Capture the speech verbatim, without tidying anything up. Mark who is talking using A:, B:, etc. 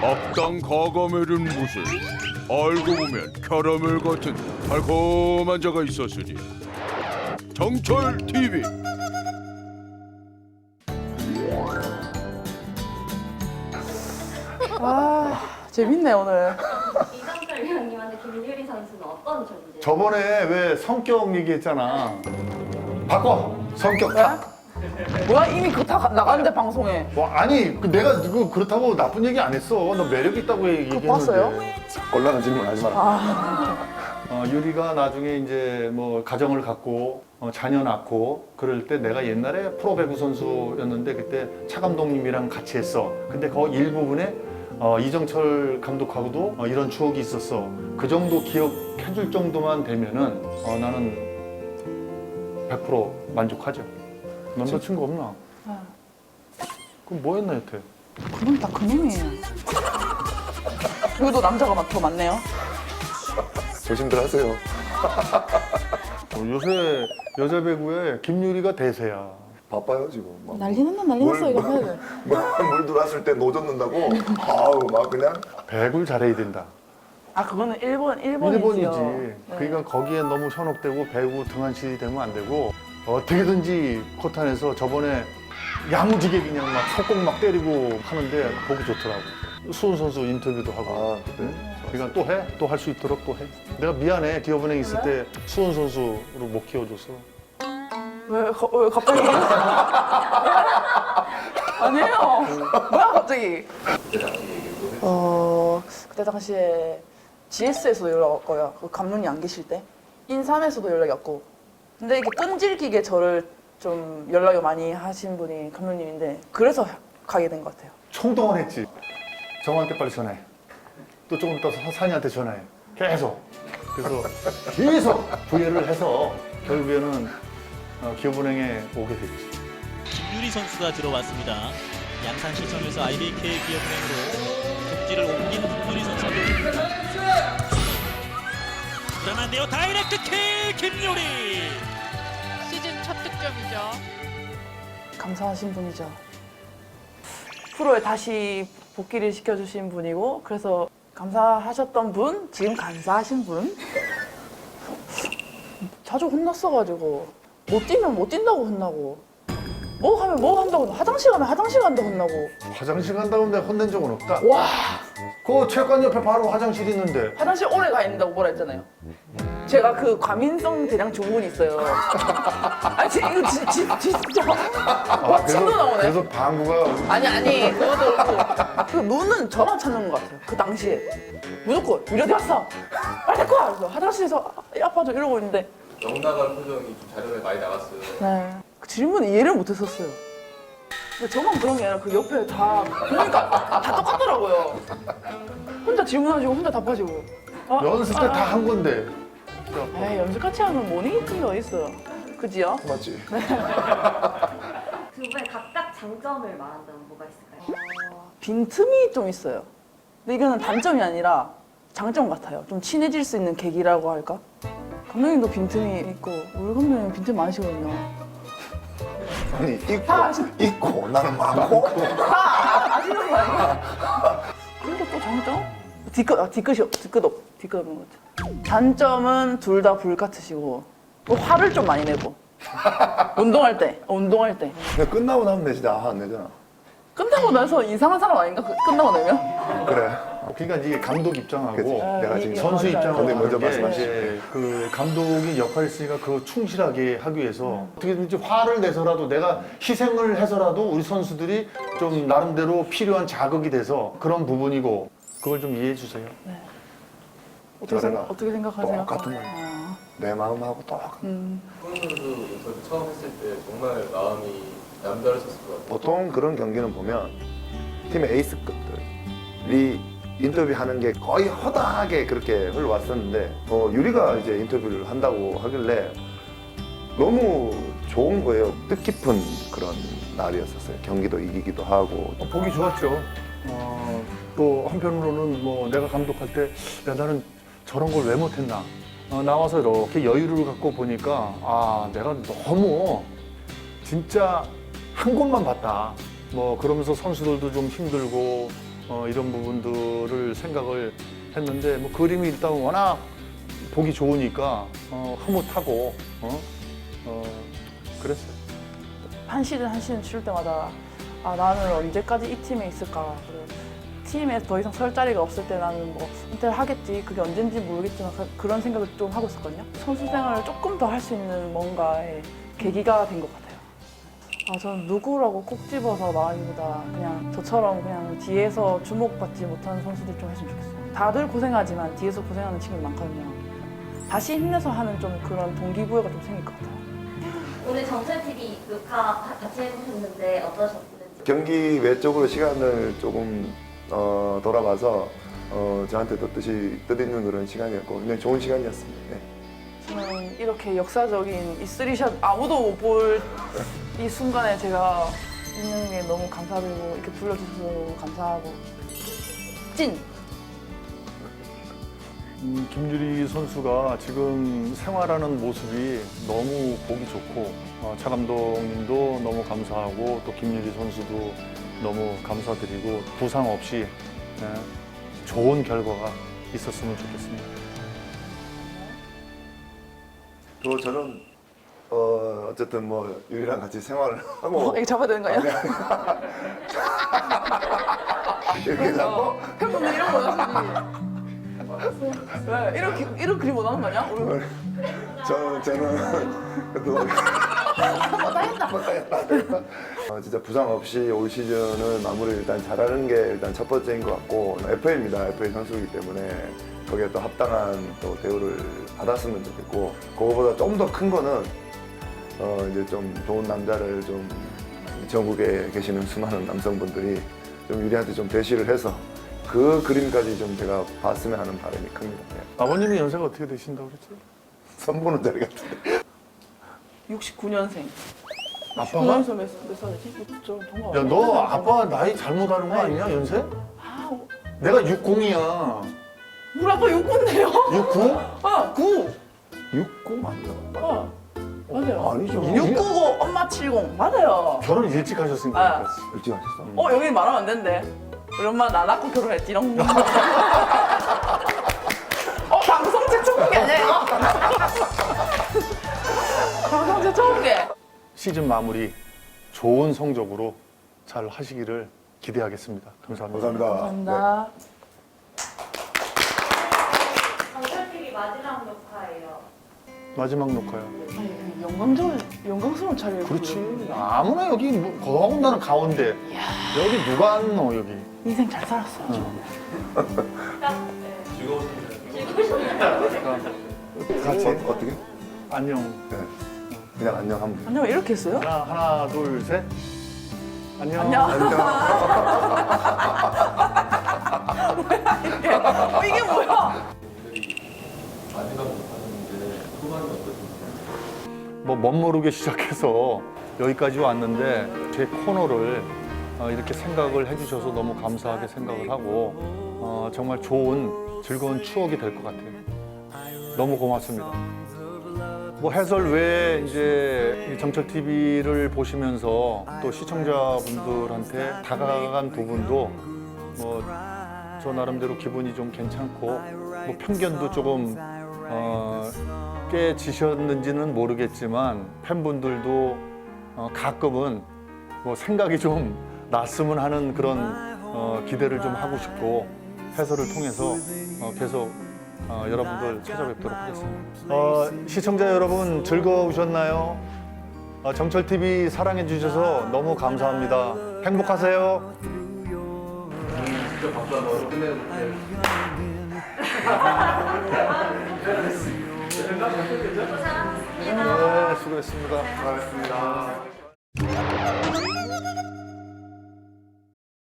A: 악당 가가멜은 무슨 알고 보면 캐러멜 같은 달콤한 자가 있었으니. 정철 티비.
B: 아 재밌네 오늘.
C: 이정철 위원님한테 김유리 선수는 어떤 존재?
D: 저번에 왜 성격 얘기했잖아. 바꿔. 성격 다.
B: 뭐야 이미 그거 다 가- 나갔는데 방송에.
D: 뭐 아니 그 내가 그 그렇다고 나쁜 얘기 안 했어. 너 매력 있다고 얘기했는데.
B: 봤어요?
E: 곤란한 질문 하지 마라.
D: 어, 유리가 나중에 이제 뭐 가정을 갖고 어, 자녀 낳고 그럴 때 내가 옛날에 프로배구 선수였는데 그때 차 감독님이랑 같이 했어. 근데 그 일부분에 어, 이정철 감독하고도 어, 이런 추억이 있었어. 그 정도 기억해줄 정도만 되면은 어, 나는 백 퍼센트 만족하죠. 남자친구 없나?
B: 네.
D: 그럼 뭐 했나 여태?
B: 그건 다 그놈이에요. 여기도 남자가 막 더 많네요.
E: 조심들 하세요.
D: 어, 요새 여자 배구에 김유리가 대세야.
E: 바빠요 지금. 막
B: 난리 났나 난리 났어 이거 해야 돼.
E: 막 물 들어왔을 때 노젓는다고. 아우 막 그냥.
D: 배구를 잘해야 된다.
B: 아 그거는 일본 일본이지요.
D: 일본이지.
B: 네.
D: 그러니까 거기에 너무 현혹되고 배구 등한시 되면 안 되고 어떻게든지 코트 안에서 저번에 야무지게 그냥 막 속공 막 때리고 하는데 보기 좋더라고. 수훈 선수 인터뷰도 하고.
E: 아 그래.
D: 그러니까 또 해? 또 할 수 있도록 또 해. 내가 미안해. 기업은행 있을 때 수훈 선수로 못 키워줘서.
B: 왜, 가- 왜 갑자기? 아니에요. 뭐야 갑자기? 어 그때 당시에 지에스에서도 연락 왔고요. 그 감독님 안 계실 때 인삼에서도 연락이 왔고. 근데 이게 끈질기게 저를 좀 연락을 많이 하신 분이 감독님인데 그래서 가게 된 것 같아요.
D: 총동원 했지. 정한테 빨리 전화해. 또 조금 이따 산이한테 전화해. 계속. 그래서 계속 부여를 해서 결국에는 어, 기업은행에 오게 됐지.
F: 김유리 선수가 들어왔습니다. 양산시청에서 아이비케이 기업은행으로 복지를 옮긴 김유리 선수. 불안한데요. 다이렉트 킬 김유리.
G: 시즌 첫 득점이죠.
B: 감사하신 분이죠. 프로에 다시 복귀를 시켜주신 분이고 그래서 감사하셨던 분, 지금 감사하신 분. 자주 혼났어가지고 못 뛰면 못 뛴다고 혼나고 뭐 하면 뭐 한다고 화장실 가면 화장실 간다고 혼나고.
D: 화장실 간다고 내가 혼낸 적은 없다.
B: 와
D: 그 체육관 옆에 바로 화장실 있는데.
B: 화장실 오래 가 있는다고 뭐라 했잖아요. 제가 그 과민성 대장 증후군이 있어요. 아니 지- 이거 지, 지, 진짜 와 침도 나오네.
D: 그래서 방구가
B: 아니 아니 그것도 그렇고 그 눈은 저만 찾는 것 같아요. 그 당시에 무조건 유리 어디 갔어? 빨리 데리고 와. 그래서 화장실에서 아, 아파서 이러고 있는데
H: 넉 나간 표정이 좀 자료에 많이 나왔어요.
B: 네. 그 질문 이해를 못했었어요. 근데 저만 그런 게 아니라 그 옆에 다 보니까 다 똑같더라고요. 혼자 질문하시고 혼자 답하시고. 아,
D: 연습 때 다 한 건데.
B: 에이 연습같이 하는 모닝이팅이 어딨어요. 그지요?
E: 맞지.
C: 두 분의 각각 장점을 말한다면 뭐가 있을까요?
B: 빈틈이 좀 있어요. 근데 이거는 단점이 아니라 장점 같아요. 좀 친해질 수 있는 계기라고 할까? 감독님도 빈틈이 있고 우리 감독님 빈틈 많으시거든요.
E: 아니 있고
B: 다 아시-
E: 있고 나는 많고.
B: 아, 아시는 거 아니야? 그리고 또 장점? 뒤끝, 아, 뒤끝이, 뒤끝 없, 뒤끝 없는 거죠. 단점은 둘 다 불같으시고 또 화를 좀 많이 내고 운동할 때, 어, 운동할 때
E: 근데 끝나고 나면 내지 안 내잖아.
B: 끝나고 나서 이상한 사람 아닌가? 그- 끝나고 나면?
E: 그래.
D: 그러니까 이게 감독 입장하고
E: 그치. 내가
B: 이-
E: 지금
B: 이-
D: 선수
B: 맞아요.
D: 입장하고
E: 감독님 먼저
D: 다른 게
E: 말씀하시죠.
D: 이제 그 감독이 역할이 있으니까 그거 충실하게 하기 위해서 어떻게든지 화를 내서라도 내가 희생을 해서라도 우리 선수들이 좀 나름대로 필요한 자극이 돼서 그런 부분이고 그걸 좀 이해해 주세요.
B: 어떻게,
E: 저래라.
B: 생각, 어떻게 생각하세요?
E: 똑같은 말.
B: 아,
E: 내 마음하고 똑같아.
B: 음,
H: 손 선수 인터뷰 처음 했을 때 정말 마음이 남다르셨을 것 같아요.
E: 보통 그런 경기는 보면 팀의 에이스급들이 인터뷰하는 게 거의 허다하게 그렇게 흘러왔었는데 어, 유리가 이제 인터뷰를 한다고 하길래 너무 좋은 거예요. 뜻깊은 그런 날이었었어요. 경기도 이기기도 하고.
D: 어, 보기 좋았죠. 어, 또 한편으로는 뭐 내가 감독할 때 야, 나는 저런 걸 왜 못했나. 어, 나와서 이렇게 여유를 갖고 보니까 아 내가 너무 진짜 한 곳만 봤다. 뭐 그러면서 선수들도 좀 힘들고 어, 이런 부분들을 생각을 했는데 뭐 그림이 일단 워낙 보기 좋으니까 어, 흐뭇하고 어? 어, 그랬어요.
B: 한 시즌 한 시즌 치를 때마다 아 나는 언제까지 이 팀에 있을까. 그리고 팀에 더 이상 설 자리가 없을 때 나는 뭐 은퇴를 하겠지. 그게 언젠지 모르겠지만 그- 그런 생각을 좀 하고 있었거든요. 선수 생활을 조금 더 할 수 있는 뭔가의 계기가 된 것 같아요. 아 저는 누구라고 꼭 집어서 말하기보다 그냥 저처럼 그냥 뒤에서 주목받지 못하는 선수들 좀 했으면 좋겠어요. 다들 고생하지만 뒤에서 고생하는 친구들 많거든요. 다시 힘내서 하는 좀 그런 동기부여가 좀 생길 것 같아요.
C: 오늘 정철티비 녹화 같이 해보셨는데 어떠셨는지?
E: 경기 외적으로 시간을 조금 어, 돌아봐서 어, 저한테 더 뜻이 뜻있는 그런 시간이었고 굉장히 좋은 시간이었습니다. 네.
B: 저는 이렇게 역사적인 이 쓰리샷 아무도 못 볼 이 순간에 제가 있는 게 너무 감사드리고 이렇게 불러주셔서 감사하고 찐!
D: 음, 김유리 선수가 지금 생활하는 모습이 너무 보기 좋고 어, 차 감독님도 너무 감사하고 또 김유리 선수도 너무 감사드리고 부상 없이 네, 좋은 결과가 있었으면 좋겠습니다.
E: 또 저는 어, 어쨌든 뭐 유리랑 같이 생활을 하고
B: 어, 이거 잡아야 되는 거 아니야?
E: 이렇게 잡고
B: 팬분들 이런 거 원하시지? 왜? 이런, 기- 이런 그림 원하는 거 아니야? 우리
E: 저는 저는 또 어, 진짜 부상 없이 올 시즌은 마무리 일단 잘하는 게 일단 첫 번째인 것 같고 에프에이입니다. 에프에이 선수이기 때문에 거기에 또 합당한 또 대우를 받았으면 좋겠고 그거보다 좀 더 큰 거는 어, 이제 좀 좋은 남자를 좀 전국에 계시는 수많은 남성분들이 좀 유리한테 좀 대시를 해서 그 그림까지 좀 제가 봤으면 하는 바람이 큽니다. 네.
D: 아버님이 연세가 어떻게 되신다고 그랬죠?
E: 선보는 자리 같은데.
B: 육십구 년생.
D: 아빠가?
B: 육십구 년생 몇, 몇 살이지? 저 동갑.
D: 야, 너 아빠 나이 잘못 아는 거 아니냐, 연세?
B: 아, 어,
D: 내가 육십이야.
B: 우리 아빠 육군데요?
D: 육십구?
B: 아, 구!
D: 육십구 맞나?
B: 어, 맞아요.
E: 아니죠.
B: 육구고 엄마 칠공 맞아요.
D: 결혼 일찍 하셨으니까.
B: 아.
D: 그렇지.
E: 일찍 하셨어?
B: 어 여기 말하면 안 된대. 우리 엄마 나 낳고 결혼했지롱. 어 방송 최초 공개 아니야 이거? 방송 최초 공개.
D: 시즌 마무리 좋은 성적으로 잘 하시기를 기대하겠습니다. 감사합니다.
E: 감사합니다.
B: 감사합니다.
C: 정철티비 마지막 녹화예요.
D: 마지막 녹화요.
B: 아니, 영광스러운 영광스러운 자리를.
D: 그렇지. 아무나 여기 뭐, 더군다나 가운데. 여기 누가 앉노 여기.
B: 인생 잘 살았어. 아주.
C: 딱 네.
H: 즐거우셨나요?
C: 즐거우셨나요?
E: 같이 어, 어떻게?
D: 안녕.
E: 네. 그냥 안녕 한번.
B: 안녕 이렇게 했어요?
D: 하나 하나 둘 셋. 안녕.
B: 안녕.
E: 안녕.
B: 이게, 어, 이게 뭐야?
H: 마지막 녹화였는데 소감이 어떠신가요?
D: 뭐 멋모르게 시작해서 여기까지 왔는데 제 코너를 어, 이렇게 생각을 해주셔서 너무 감사하게 생각을 하고 어, 정말 좋은 즐거운 추억이 될 것 같아요. 너무 고맙습니다. 뭐 해설 외에 이제 정철 티비를 보시면서 또 시청자분들한테 다가간 부분도 뭐 저 나름대로 기분이 좀 괜찮고 뭐 편견도 조금 어, 깨지셨는지는 모르겠지만 팬분들도 어, 가끔은 뭐 생각이 좀 났으면 하는 그런 어, 기대를 좀 하고 싶고 해설을 통해서 어, 계속 어, 여러분들 찾아뵙도록 하겠습니다. 어, 시청자 여러분 즐거우셨나요? 어, 정철 티비 사랑해 주셔서 너무 감사합니다. 행복하세요.
H: 진짜 박수 한 번 끝내볼게요.
C: 고생하셨습니다.
D: 네, 수고했습니다.
E: 고맙습니다.